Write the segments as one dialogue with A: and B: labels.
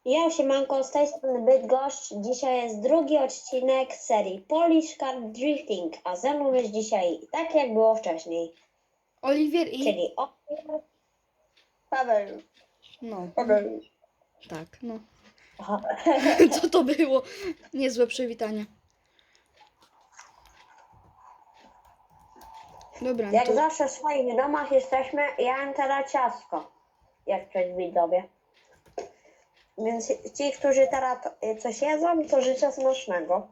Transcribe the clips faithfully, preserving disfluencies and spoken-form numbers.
A: Ja siemanko, z tej strony Bydgoszcz. Dzisiaj jest drugi odcinek serii Polish Car Drifting, a ze mną jest dzisiaj tak jak było wcześniej,
B: Oliwier i...
A: czyli Oliwier,
C: Paweł.
B: No,
C: Paweł.
B: tak, no.
A: Aha.
B: Co to było? Niezłe przywitanie. Dobra,
A: Jak
B: to...
A: zawsze w swoich domach jesteśmy, ja jem teraz ciastko, jak przed widzowie. Więc ci, którzy teraz to- coś jedzą, to życzę smacznego.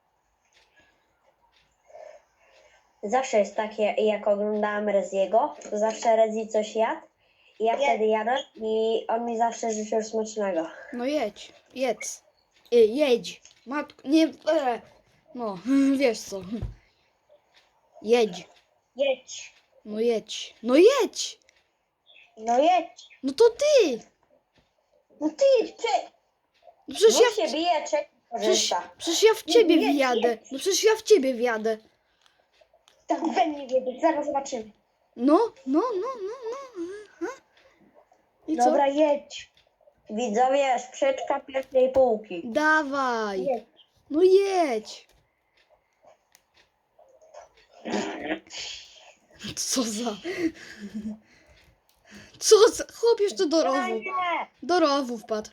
A: Zawsze jest takie, jak oglądałam Reziego, to zawsze Rezi coś jadł. I ja
C: Nie.
A: wtedy jadłem i on mi zawsze życzył smacznego.
B: No jedź, jedz. Y, jedź. Matko, nie... E. No, wiesz co. Jedź.
C: Jedź.
B: No jedź. No jedź!
C: No jedź.
B: No to ty!
C: No ty jedź. Prze...
B: No przecież
A: Bo
B: ja...
A: się bije, czy
B: Przecież,
A: korzysta.
B: przecież ja w ciebie
C: jedź,
B: wjadę.
C: jedź.
B: No przecież ja w ciebie wjadę.
C: Tak we mnie wiedzieć. Zaraz zobaczymy.
B: No, no, no, no, no. Aha. I co?
C: Dobra, jedź.
A: Widzowie, sprzeczka pierwszej półki.
B: Dawaj.
C: Jedź.
B: No jedź. Co za... Co za... Chłop jeszcze do rowu.
A: Nie.
B: Do rowu wpadł.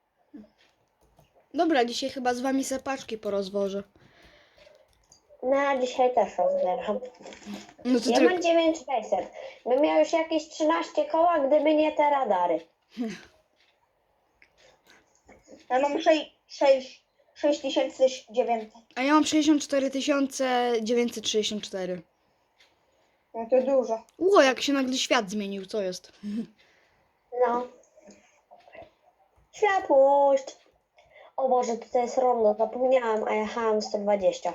B: Dobra, dzisiaj chyba z wami sepaczki porozwożę.
A: No, a dzisiaj też rozbieram.
B: No to
A: Ja
B: tylko...
A: mam dziewięć tysięcy sześćset. Bym miał już jakieś trzynaście koła, gdyby nie te radary.
C: Ja mam sześć tysięcy dziewięćset.
B: A ja mam sześćdziesiąt cztery tysiące dziewięćset sześćdziesiąt cztery.
C: No to dużo.
B: Ło, jak się nagle świat zmienił, co jest?
A: No. Światłość. O Boże, tutaj jest rondo, zapomniałam, a jechałam sto dwadzieścia.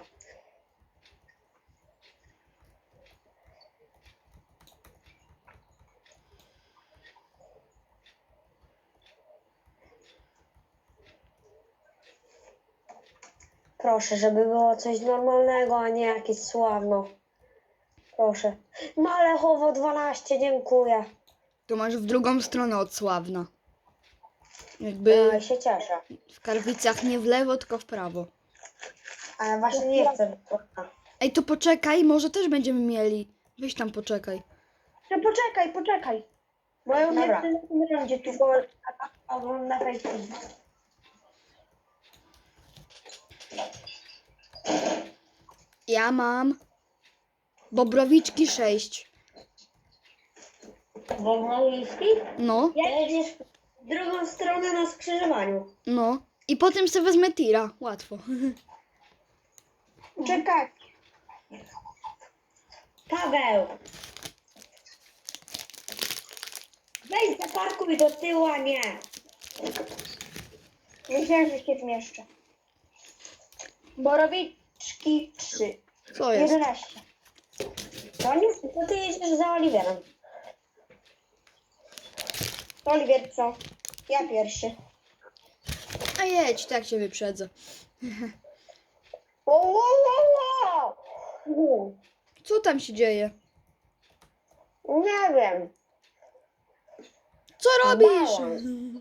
A: Proszę, żeby było coś normalnego, a nie jakieś sławno. Proszę. Malechowo dwanaście, dziękuję.
B: To masz w drugą stronę od Sławna. Jakby
A: Ja się cieszę.
B: w Karwicach nie w lewo, tylko w prawo.
A: Ale właśnie nie chcę.
B: Ej, to poczekaj, może też będziemy mieli. Weź tam poczekaj.
C: No poczekaj, poczekaj. Bo ja już
A: Dobra.
C: nie chcę na tym rondzie tu.
A: Tylko ogląda Facebook.
B: Ja mam Bobrowiczki sześć.
A: Wągrowiski?
B: No,
A: Jedziesz w drugą stronę na skrzyżowaniu.
B: no. I potem sobie wezmę tira. Łatwo.
C: Czekaj.
A: Paweł! Weź zaparkuj do tyłu, a nie.
C: Myślałem, że się zmieszczę. Borowiczki trzy.
B: Co jest?
C: jedenaście.
A: To nie, to ty jedziesz za Oliwierem.
C: Oliwier co? Ja pierwszy.
B: A jedź, tak cię wyprzedzę.
C: Wow, wow, wow, wow.
B: Co tam się dzieje?
A: Nie wiem.
B: Co robisz?
A: Balans.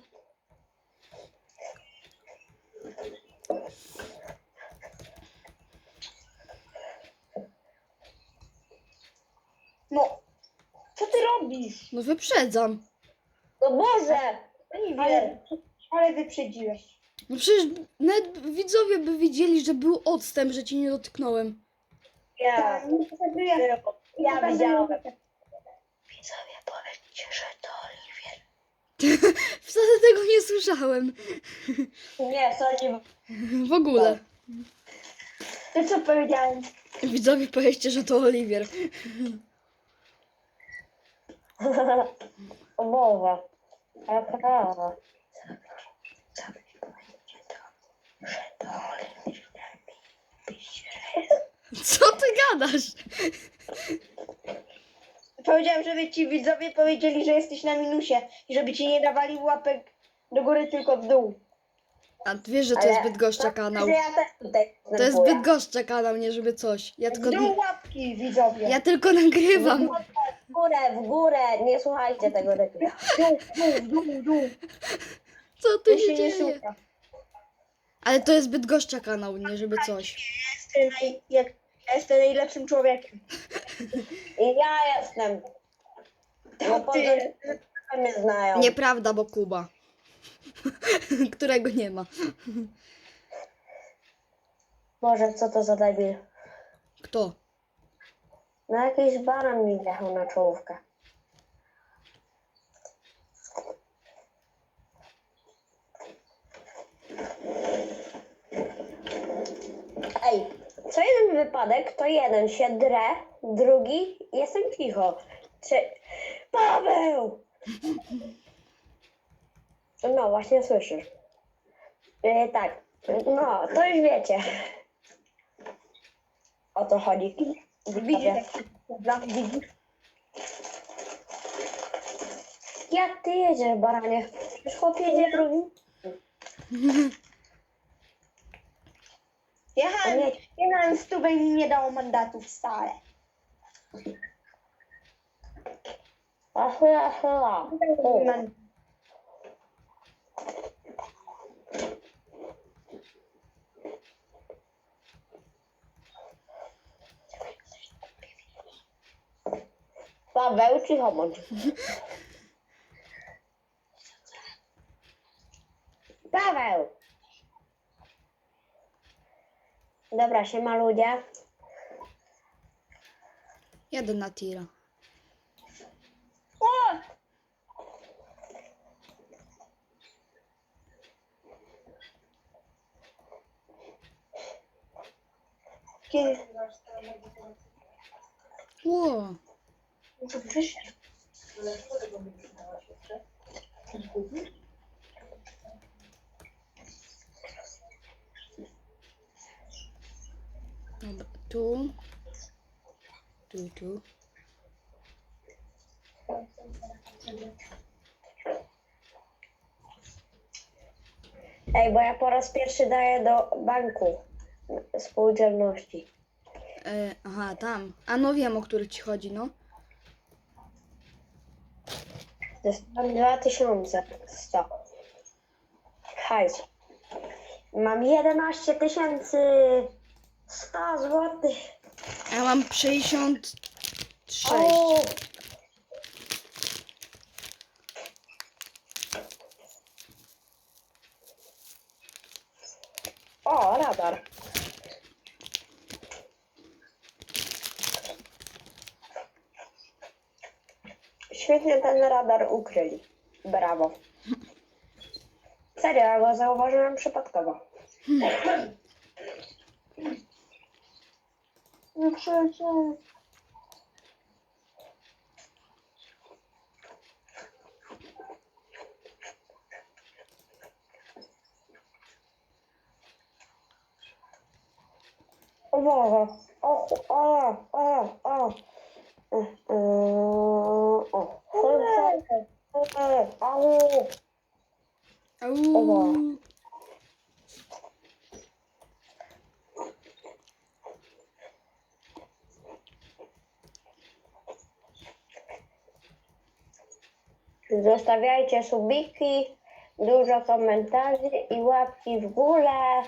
C: No. Co ty robisz?
B: No wyprzedzam.
A: No Boże!
C: Ale,
A: Ale
C: ale wyprzedziłeś.
B: No przecież nawet widzowie by widzieli, że był odstęp, że cię nie dotknąłem.
A: ja,
C: Tak, nie pokazuję.
A: ja
C: nie pokazuję.
A: widziałem. Widzowie, powiedzcie, że to Oliwier.
B: Wcale tego nie słyszałem.
A: Nie, sądzi.
B: W ogóle.
C: To co powiedziałem?
B: Widzowie powiedzcie, że to Oliwier.
A: O Boże. Jaka raza.
B: Co ty gadasz?
C: Powiedziałem, żeby ci widzowie powiedzieli, że jesteś na minusie i żeby ci nie dawali łapek do góry, tylko w dół.
B: A ty wiesz, że to jest Bydgoszcza kanał.
A: Że ja też tutaj
B: To jest
A: występuję.
B: Bydgoszcza kanał, nie żeby coś. Ja
C: W
B: tylko,
C: dół łapki, widzowie.
B: ja tylko nagrywam.
A: W górę, w górę, nie słuchajcie tego reklamy.
C: W dół, w dół, w dół, w dół.
B: Co tu
C: To
B: się
C: się nie
B: dzieje?
C: słucha.
B: Ale to jest Bydgoszcza kanał, nie żeby coś.
C: Jestem, naj, jak, ja jestem najlepszym człowiekiem.
A: I ja jestem. No
C: To
A: poza
C: ty.
A: tym mnie znają.
B: Nieprawda, bo Kuba. Którego nie ma.
A: Boże, co to za debil?
B: Kto?
A: No jakiś baran mi wjechał na czołówkę. Ej, co jeden wypadek, to jeden się drę, drugi jestem cicho. Trze... Paweł! No, właśnie słyszysz. Yy, tak, no, to już wiecie. O to chodzi.
C: Widzisz, jak się słucha? Widzisz?
A: Jak ty jedziesz, baranie? Już chłop jedzie drugi?
C: Jechałem,
A: Nie.
C: jechałem stówę i mi nie dało mandatów wcale.
A: A chyla, chyla. O.
C: Man-
A: Paweł, cicho bądź. Paweł! Dobra, siema ludzie.
B: Jadę na tira.
C: O! Kiedy?
B: Ło.
C: Co wyszło?
B: Dobra, tu. Tu, tu.
A: Ej, bo ja po raz pierwszy daję do banku spółdzielności.
B: E, aha, tam. A no wiem, o który ci chodzi, no.
A: Dostałem dwa tysiące sto. Hajs. Mam jedenaście tysięcy sto złotych.
B: A ja mam sześćdziesiąt sześć.
A: O! O, radar. Świetnie ten radar ukryli. Brawo. Serio, ja go zauważyłem przypadkowo.
C: No przecież.
A: O Boże. O, o, o, o. O, o, o. O, au.
B: Au.
A: Zostawiajcie subiki, dużo komentarzy i łapki w górę.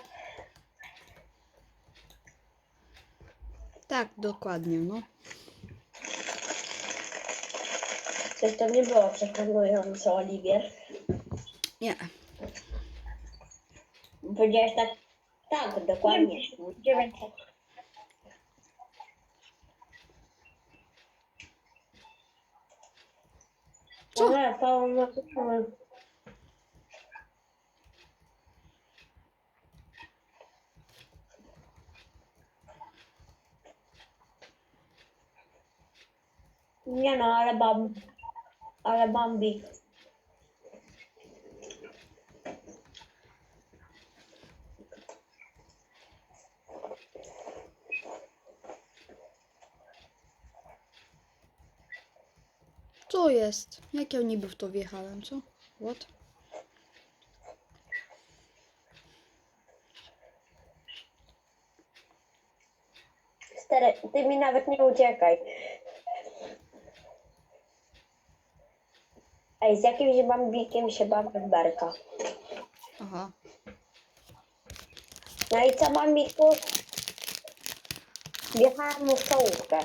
B: Tak, dokładnie, no.
A: Coś to nie było przekonujące, Oliwier.
B: Nie.
A: Powiedziałeś tak, tak, dokładnie.
C: dziewięćset.
B: Co?
A: Nie, to ma Nie no, ale bam, ale Bambi.
B: Co jest? Jak ja niby w to wjechałem, co? What?
A: Stary, ty mi nawet nie uciekaj. Ej, z jakimś bambikiem się bawię w berka.
B: Aha.
A: No i co mam ich tu? Wjechałam mu w czołówkę.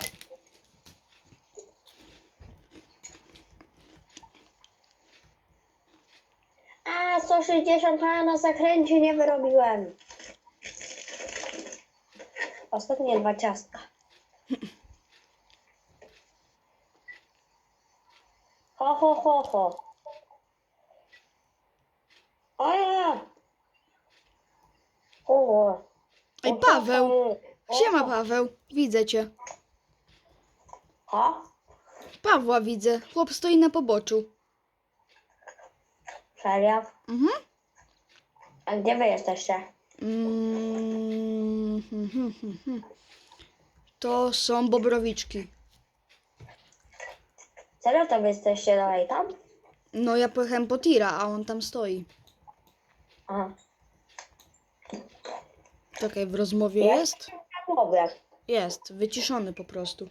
A: A, sto sześćdziesiąt a na zakręcie nie wyrobiłem. Ostatnie dwa ciastka. Ho, ho, ho, ho. O ja! O,
B: Ej, Paweł! Siema, Paweł. Widzę cię.
A: Ha?
B: Pawła widzę. Chłop stoi na poboczu.
A: Serio?
B: Mhm.
A: A gdzie wy jesteście?
B: Mm, hmm, hmm, hmm, hmm. To są bobrowiczki.
A: Serio to wy jesteście dalej tam?
B: No ja pojechałem po tira, a on tam stoi.
A: Aha.
B: Czekaj, w rozmowie
A: Ja
B: jest?
A: w głowie.
B: Jest, wyciszony po prostu.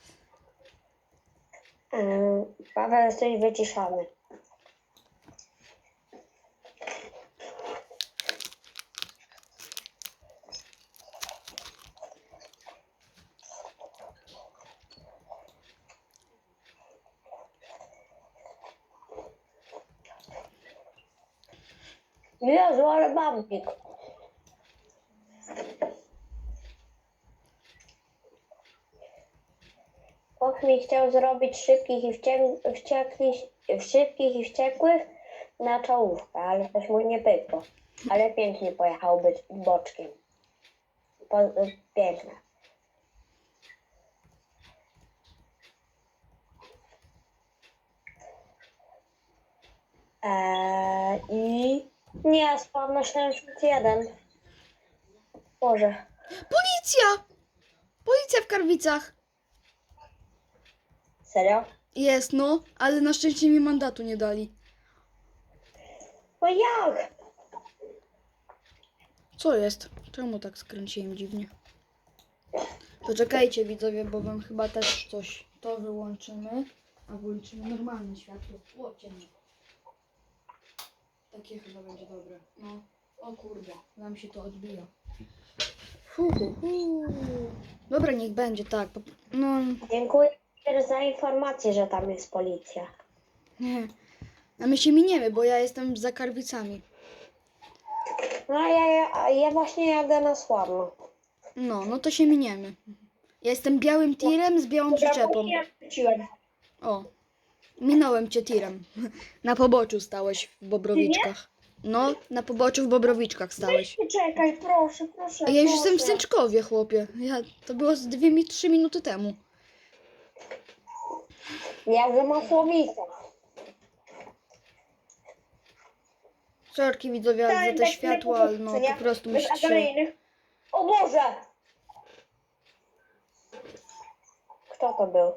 A: Yy, Paweł, jesteś wyciszony. Jezu, ale bambik. Och mi chciał zrobić szybkich i wściek- wściekłych, szybkich i wściekłych na czołówkę, ale coś mu nie pykło. Ale pięknie pojechał być boczkiem. Po, piękne. Eee, I nie, spadł na siedemdziesiąt jeden. Boże.
B: Policja! Policja w Karwicach.
A: Serio?
B: Jest, no, ale na szczęście mi mandatu nie dali.
A: No jak?
B: Co jest? Czemu tak skręciłem dziwnie? Poczekajcie widzowie, bo wam chyba też coś to wyłączymy, a włączymy normalne światło. O, ciemno. Takie chyba będzie dobre. No. O kurde, nam się to odbija. Fu, hu, hu. Dobra, niech będzie tak. po- No,
A: Dziękuję za informację, że tam jest policja.
B: nie. A my się miniemy, bo ja jestem za Karwicami.
A: No a ja, ja, ja właśnie jadę na Sławno.
B: No, no to się miniemy. Ja jestem białym tirem z białą przyczepą.
C: Ja wróciłem.
B: O, minąłem cię tirem. Na poboczu stałeś w Bobrowiczkach. No, na poboczu w Bobrowiczkach stałeś.
C: Czekaj, proszę, proszę.
B: A ja już
C: proszę.
B: jestem w Sęczkowie, chłopie. Ja, to było z dwie, mi- trzy minuty temu.
A: Jadę na Słowicach.
B: Sorki widzowie
C: Tak,
B: za te
C: tak,
B: światła,
C: na
B: ale no
C: nie?
B: po prostu
C: Bez
B: musicie się...
C: awaryjnych.
A: O Boże! Kto to był?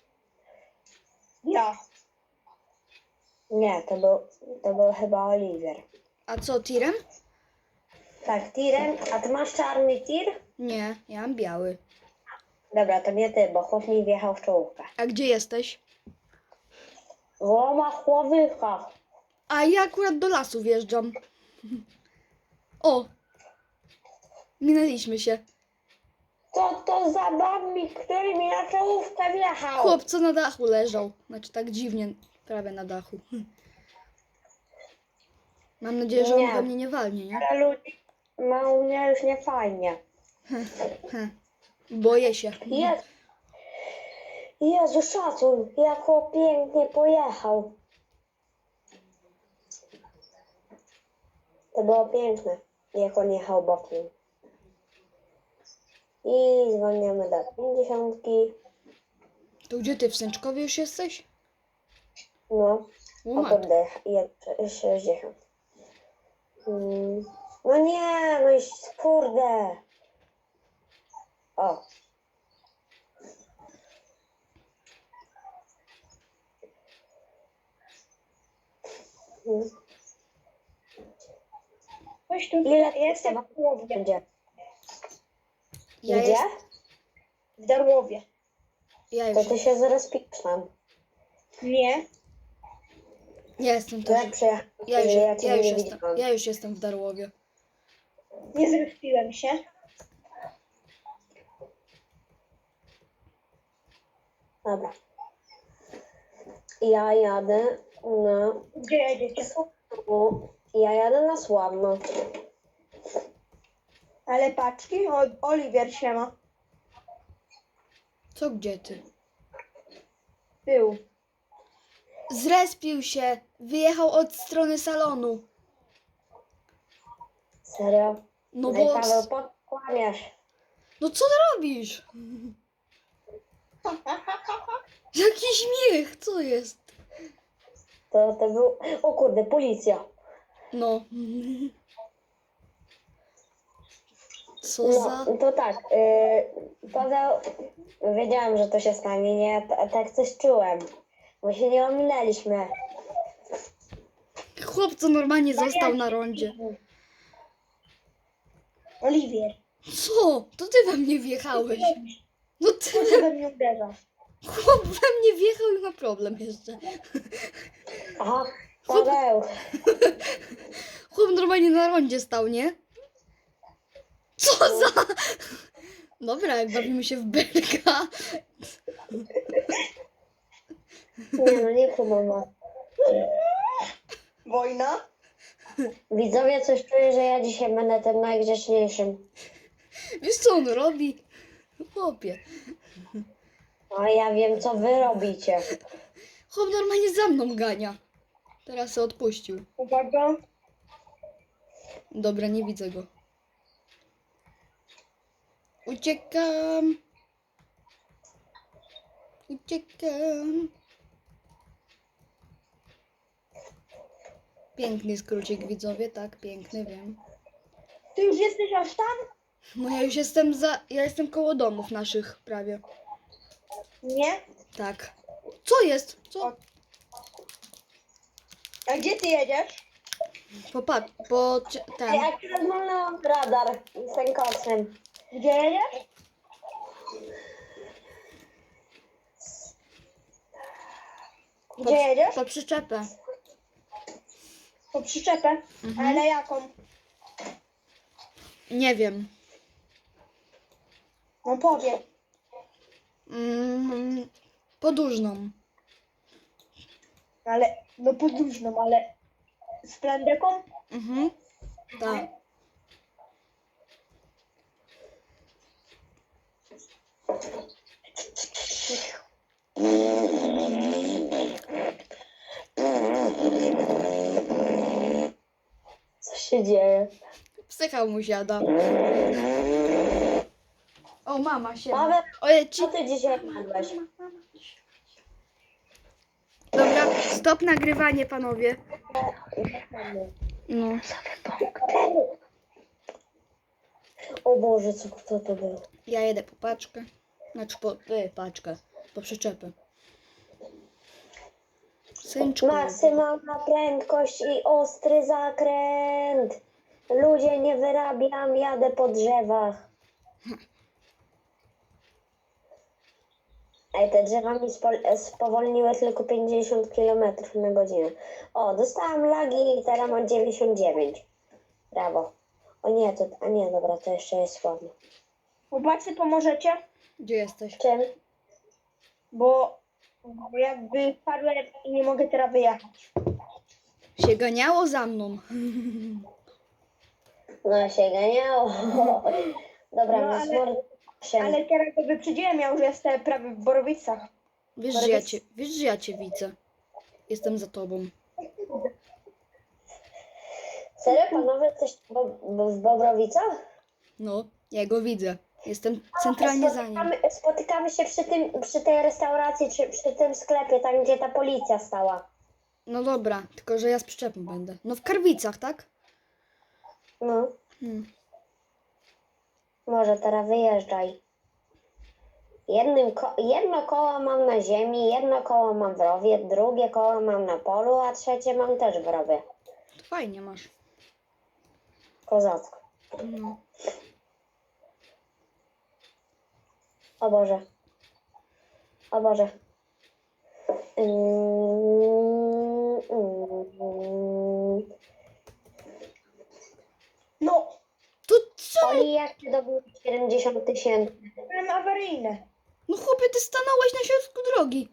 C: Ja.
A: Nie, to był, to był chyba Oliwier.
B: A co, tirem?
A: Tak, tirem. A ty masz czarny tir?
B: Nie, ja mam biały.
A: Dobra, to nie ty, bo chłop mi wjechał w czołówkę.
B: A gdzie jesteś?
A: W Łomach-Łowykach.
B: A ja akurat do lasu wjeżdżam. O! Minęliśmy się.
A: Co to za bambik, który mi na czołówkę wjechał?
B: Chłop, co na dachu leżał. Znaczy tak dziwnie, prawie na dachu. Mam nadzieję, że on
A: Nie.
B: we mnie nie walnie, nie?
A: Ale ludzi ma u mnie już nie fajnie.
B: Heh. Boję się.
A: Jezu, Jezu, szacun, jak on pięknie pojechał. To było piękne, jak on jechał bokiem. I zwolniamy do pięćdziesiątki.
B: To gdzie ty, w Sęczkowie już jesteś?
A: No,
B: O
A: o
B: matko.
A: kurde, jest sześćdziesiąt. Mm. No nie, no i kurde. O. Mm.
C: Chodź tu.
A: Ile
C: Ja jestem w Darłowie.
A: będzie?
B: Ja,
A: Gdzie?
B: jest,
C: W Darłowie.
B: ja
A: To
B: już...
A: ty się zaraz pisz nam.
C: Nie.
B: Ja jestem
A: To
B: też.
A: jak przyjechałeś,
B: Ja już,
A: że ja
B: ja
A: ciebie
B: już
A: nie
B: jestem.
A: widziałam.
B: Ja już jestem w Darłowie.
C: Nie zrespiłem się.
A: Dobra. Ja jadę na
C: Gdzie jedziecie?
A: Sławno. Ja jadę na Sławno.
C: Ale paczki? O, Oliwier się ma.
B: Co gdzie ty?
C: Był.
B: Zrespił się. Wyjechał od strony salonu.
A: Serio?
B: No
A: No i
B: bo...
A: Paweł, podkłamiasz.
B: No co ty robisz? Jaki śmiech, co jest?
A: To, to był... O kurde, policja.
B: No. Co
A: No,
B: za...
A: to tak. Yy, Paweł, wiedziałam, że to się stanie, nie? Ja t- tak coś czułem. Bo się nie ominęliśmy.
B: Chłopco normalnie został na rondzie.
C: Oliwier.
B: Co? To ty we mnie wjechałeś. No ty...
C: Co się we mnie uderza?
B: Chłop we mnie wjechał i ma problem jeszcze.
A: Aha, Paweł.
B: Chłop normalnie na rondzie stał, nie? Co za... Dobra, jak bawimy się w belka.
A: Nie no, nie próbował.
C: Wojna?
A: Widzowie, coś czuję, że ja dzisiaj będę tym najgrzeczniejszym.
B: Wiesz co on robi? Chłopie.
A: A ja wiem, co wy robicie.
B: Chłop normalnie za mną gania. Teraz się odpuścił.
C: Uwaga.
B: Dobra, nie widzę go. Uciekam. Uciekam. Piękny skrócik, widzowie, tak, piękny, wiem.
C: Ty już jesteś aż tam?
B: No ja już jestem za... Ja jestem koło domów naszych prawie.
C: Nie.
B: Tak. Co jest? Co?
C: A gdzie ty jedziesz?
B: Popatrz, po... cie- ten...
A: Ja akurat mam radar z tym koksem.
C: Gdzie jedziesz?
B: Po,
C: Gdzie jedziesz?
B: po przyczepę.
C: Po przyczepę.
B: Mhm.
C: Ale jaką?
B: Nie wiem.
C: No powiem.
B: Mm, podłużną.
C: Ale, no podróżną, ale z plandeką?
B: Mhm. Tak.
A: Co się dzieje?
B: Psycha mu siada. O, mama się.
A: Paweł,
B: Ojej, ci...
A: co ty dzisiaj jadłeś?
B: Dobra, stop nagrywanie, panowie. No.
A: O Boże, co kto to był?
B: Ja jedę po paczkę. Znaczy po y, paczkę. Po przyczepę. Synczku.
A: Maksymalna prędkość i ostry zakręt. Ludzie, nie wyrabiam, jadę po drzewach. Ej, te drzewa mi spo- spowolniły tylko pięćdziesiąt kilometrów na godzinę. O, dostałam lagi i teraz mam dziewięćdziesiąt dziewięć. Brawo. O nie, to, a nie, dobra, to jeszcze jest słabo.
C: Chłopacy, pomożecie?
B: Gdzie jesteś?
A: Czym?
C: Bo, bo jakby padłem i nie mogę teraz wyjechać.
B: Się ganiało za mną.
A: No się ganiało. Dobra,
C: No,
A: no,
C: ale-
A: smor-
C: Ale teraz go wyprzedziłem, ja już jestem prawie w Borowicach.
B: Wiesz, że ja cię, wiesz, że ja cię widzę. Jestem za tobą.
A: Serio, panowie, jesteś bo, bo w Bobrowicach?
B: No, ja go widzę. Jestem centralnie za nim.
A: Spotykamy, spotykamy się przy, tym, przy tej restauracji, czy przy tym sklepie, tam gdzie ta policja stała.
B: No dobra, tylko że ja z przyczepą będę. No w Karwicach, tak?
A: No,
B: Hmm.
A: może teraz wyjeżdżaj. Jednym ko- jedno koło mam na ziemi, jedno koło mam w rowie, drugie koło mam na polu, a trzecie mam też w rowie.
B: To fajnie masz.
A: Kozacko.
B: No.
A: O Boże. O Boże. Mm, mm.
C: No,
B: To co?
A: Oli, jak ty dobyłeś siedemdziesiąt tysięcy?
C: byłem awaryjny.
B: No chłopie, ty stanąłeś na środku drogi.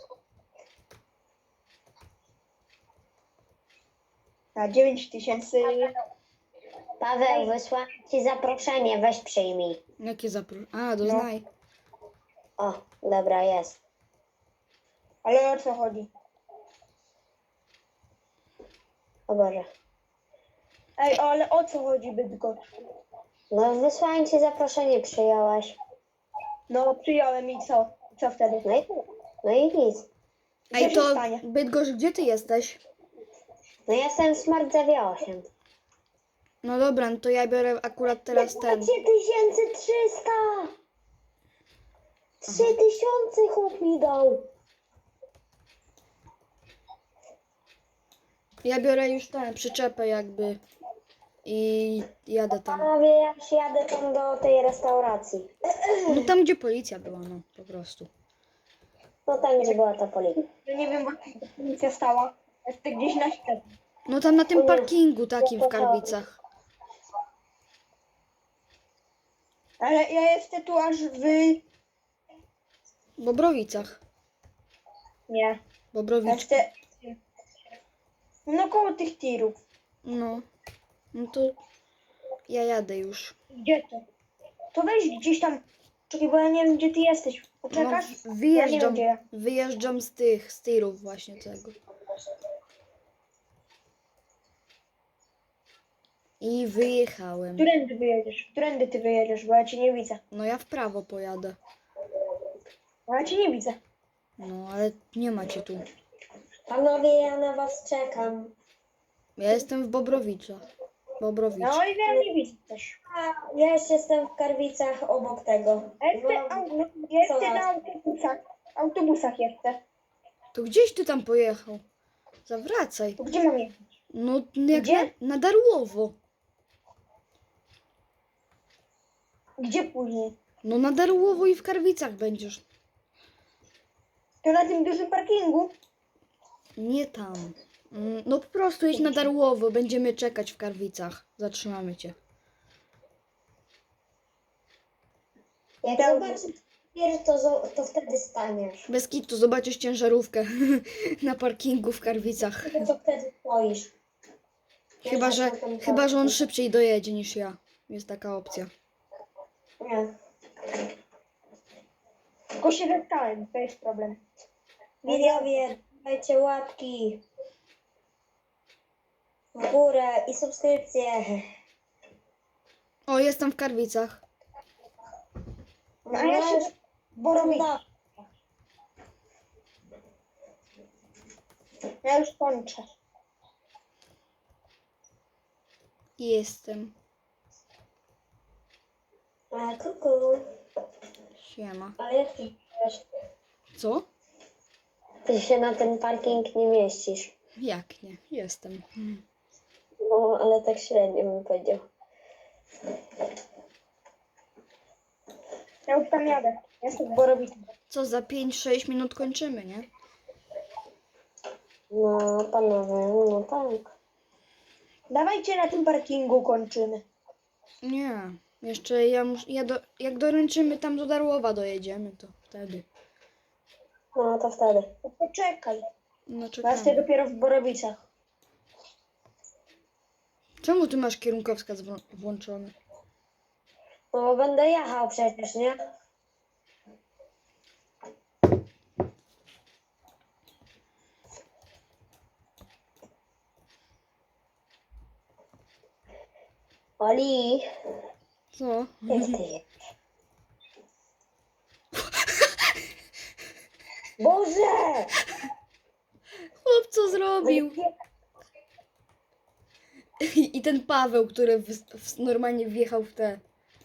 C: Na dziewięć tysięcy.
A: Paweł, wysłałem ci zaproszenie, weź przyjmij.
B: Jakie zaproszenie? A, doznaj.
A: O, dobra, jest.
C: Ale o co chodzi?
A: O Boże.
C: Ej, ale o co chodzi, Bydgoszcz?
A: No, wysłałem ci zaproszenie, przyjąłeś.
C: No, przyjąłem i co? Co wtedy?
A: No i, no i nic.
C: Co
B: Ej,
C: się
B: to
C: stanie?
B: Bydgoszcz, gdzie ty jesteś?
A: No ja jestem w Smart Zewie osiem.
B: No dobra, no to ja biorę akurat teraz ten.
A: trzy tysiące trzysta! trzy tysiące chłop mi dał.
B: Ja biorę już ten, przyczepę jakby. I jadę tam.
A: Panowie, ja już jadę tam do tej restauracji.
B: No tam, gdzie policja była, no po prostu.
A: No tam, gdzie była ta policja.
C: Ja nie wiem, bo ta policja stała. Jest to gdzieś na środku.
B: No tam na tym parkingu takim w Karwicach.
C: Ale ja jestem tu aż w...
B: W Bobrowicach.
C: Nie. Ja
B: Bobrowiczki.
C: jestem... No koło tych tirów.
B: No. No to ja jadę już.
C: Gdzie to? To weź gdzieś tam. Czekaj, bo ja nie wiem, gdzie ty jesteś.
B: No,
C: Poczekasz?
B: w-
C: Ja nie wiem,
B: wyjeżdżam,
C: gdzie ja.
B: wyjeżdżam z tych, z tirów właśnie tego. I wyjechałem.
C: Którędy wyjedziesz? Którędy ty wyjedziesz, bo ja cię nie widzę.
B: No ja w prawo pojadę.
C: Bo ja cię nie widzę.
B: No ale nie macie tu.
A: Panowie, ja na was czekam.
B: Ja jestem w Bobrowiczach. Bobrowicz.
C: No i ja nie widzę też.
A: A, ja jeszcze jestem w Karwicach obok tego.
C: Ja jestem,
A: No,
C: au- ja jestem
A: co
C: na
A: nas?
C: autobusach. Autobusach jestem.
B: To gdzieś ty tam pojechał? Zawracaj.
C: To gdzie mam jechać?
B: No jak
C: Gdzie?
B: na, na Darłowo.
C: Gdzie później?
B: No na Darłowo i w Karwicach będziesz.
C: To na tym dużym parkingu?
B: Nie tam. Mm, No po prostu jedź na Darłowo. Będziemy czekać w Karwicach. Zatrzymamy cię.
A: Jak
C: Dobrze.
A: zobaczysz pierwszy, to, zo- to wtedy staniesz.
B: Bez kitu zobaczysz ciężarówkę na parkingu w Karwicach.
A: To co wtedy stoisz.
B: Chyba, że, chyba, że on szybciej dojedzie niż ja. Jest taka opcja.
A: Nie.
C: Tylko się zastałem, to jest problem.
A: Widzowie, dajcie łapki w górę i subskrypcje.
B: O, jestem w Karwicach.
C: No, a ja się... Borowic.
A: Da-
C: Ja już kończę.
B: Jestem.
A: A, kuku.
B: Siema.
A: Ale jak ty wiesz,
B: Co?
A: ty się na ten parking nie mieścisz.
B: Jak nie? Jestem.
A: No, ale tak średnio bym powiedział.
C: Ja już tam jadę. Ja jestem w Borowicy.
B: Co, za pięć sześć minut kończymy, nie?
A: No, panowie, no tak.
C: Dawajcie na tym parkingu kończymy.
B: Nie. Jeszcze ja muszę. Ja do, jak doręczymy tam do Darłowa dojedziemy, to wtedy.
A: No, to wtedy.
C: To poczekaj.
B: No
C: Bo ja jestem
B: czekamy.
C: dopiero w Borowicach.
B: Czemu ty masz kierunkowskaz wło- włączony?
A: No, bo będę jechał przecież, nie? Oli,
B: Co?
A: jak ty jedziesz? Boże!
B: Chłop co zrobił? I ten Paweł, który w, w, normalnie wjechał w te.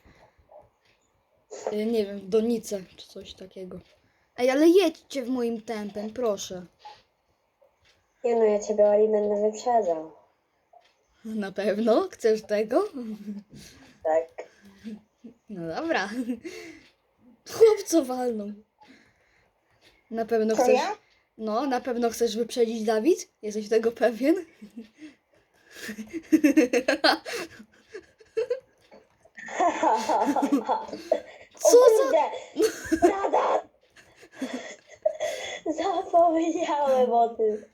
B: y, Nie wiem, w donicę czy coś takiego. Ej, ale jedźcie w moim tempem, proszę.
A: Nie no, ja ciebie, Oli, będę wyprzedzał.
B: Na pewno? Chcesz tego?
A: Tak.
B: No dobra. Chłop co walną. Na pewno
C: Co
B: chcesz.
C: ja?
B: No, na pewno chcesz wyprzedzić Dawid? Jesteś tego pewien? Co
A: O
B: za...
A: kurde! Nada! Zapomniałem o tym.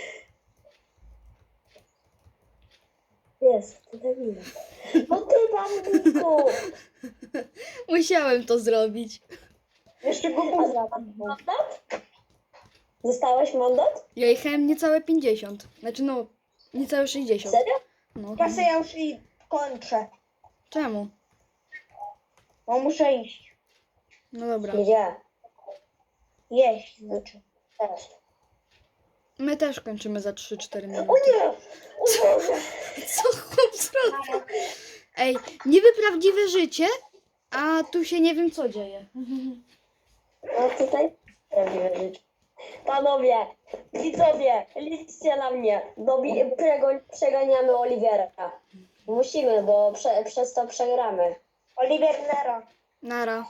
A: Jest, ty debilu. No ty bandiku!
B: Musiałem to zrobić.
C: Jeszcze go
A: A
C: buza.
A: za mandat? Dostałeś mandat?
B: Ja jechałem niecałe pięćdziesiąt. Znaczy no, niecałe sześćdziesiąt.
A: Serio?
B: No.
C: Kasę ja już i kończę.
B: Czemu?
C: Bo muszę iść.
B: No dobra.
A: Gdzie?
C: Jeść znaczy.
A: Też.
B: My też kończymy za trzy cztery
A: O
B: minuty.
A: nie! O Boże!
B: Co chłop zrobił? Ej, niby prawdziwe życie, a tu się nie wiem co dzieje.
A: No tutaj prawdziwe życie. Panowie, widzowie, liczcie na mnie. Dobi- prego- przeganiamy Olivera. Musimy, bo prze- przez to przegramy.
C: Oliver Nero.
B: Nara.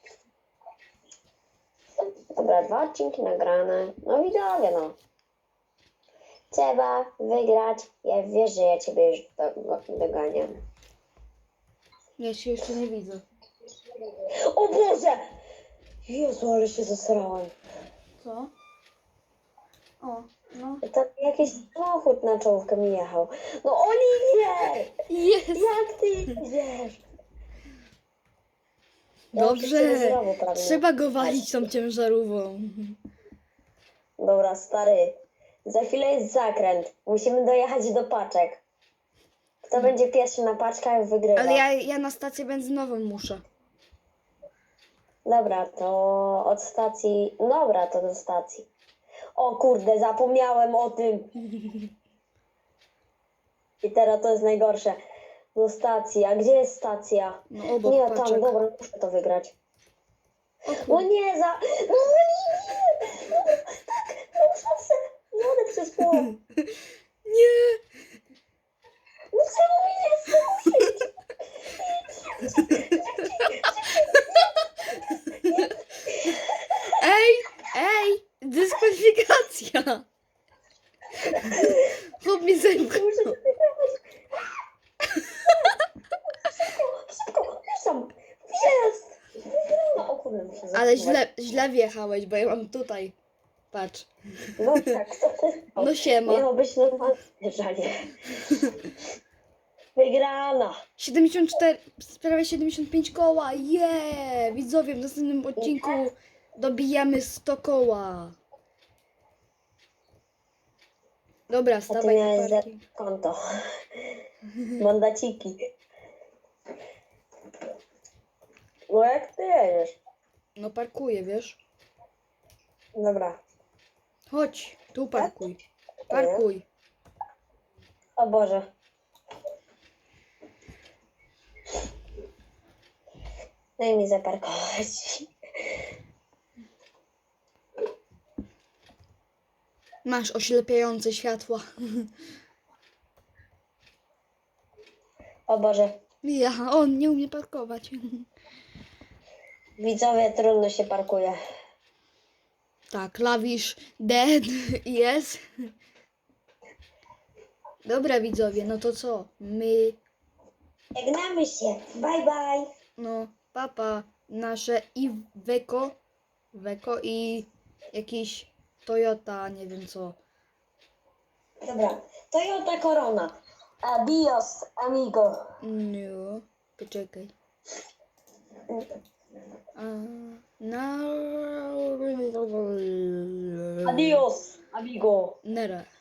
A: Dobra, dwa odcinki nagrane. No widzowie, no. Trzeba wygrać. Ja wiesz, że ja ciebie już do- do- doganiam.
B: Ja się jeszcze nie widzę.
A: O Boże! Jezu, ale się zasrałem.
B: Co? O, no.
A: To jakiś samochód na czołówkę mi jechał. No Oliwier!
B: Jest!
A: Jak ty jedziesz? Ja
B: Dobrze.
A: się znowu prawie-
B: Trzeba go walić tą ciężarówką.
A: Dobra, stary. Za chwilę jest zakręt. Musimy dojechać do paczek. Kto będzie pierwszy na paczkach, wygrywa.
B: Ale ja, ja na stację benzynową muszę.
A: Dobra, to od stacji... Dobra, to do stacji. O kurde, zapomniałem o tym. I teraz to jest najgorsze. Do stacji. A gdzie jest stacja?
B: No obok
A: Nie,
B: paczek.
A: tam, dobra, muszę to wygrać.
B: O
A: No
B: kur...
A: nie, za... No nie, no, tak, mam szansę. Jadę przez płot.
B: Nie!
A: No czemu mi nie chce?
B: Ej! Ej! Dyskwalifikacja! Chłop mi zębknął.
A: Muszę to wygrać. Szybko, szybko, już tam. Jest! Wygrana. O kurde, muszę
B: Ale
A: zatrzymać.
B: źle, źle wjechałeś, bo ja mam tutaj. Patrz.
A: No tak, co ty?
B: No siema.
A: Miało być normalne żanie. Wygrana.
B: siedemdziesiąt cztery, prawie siedemdziesiąt pięć koła. Je! Widzowie, w następnym odcinku dobijamy sto koła. Dobra,
A: A ty
B: wstawaj na
A: miałeś za
B: parking.
A: konto. Mandaciki. No jak ty jedziesz?
B: No parkuję, wiesz?
A: Dobra.
B: Chodź, tu parkuj. Parkuj.
A: O Boże. Daj mi zaparkować.
B: Masz oślepiające światła.
A: O Boże.
B: Ja, on nie umie parkować.
A: Widzowie, trudno się parkuje.
B: Tak, klawisz dead jest. Dobra widzowie, no to co? My,
A: Żegnamy się. Bye bye.
B: no, papa, nasze i Weko, Weko i jakiś Toyota, nie wiem co.
A: Dobra. Toyota Corona. Adios, amigo.
B: No, poczekaj. A, na...
A: Adios, amigo.
B: Nara.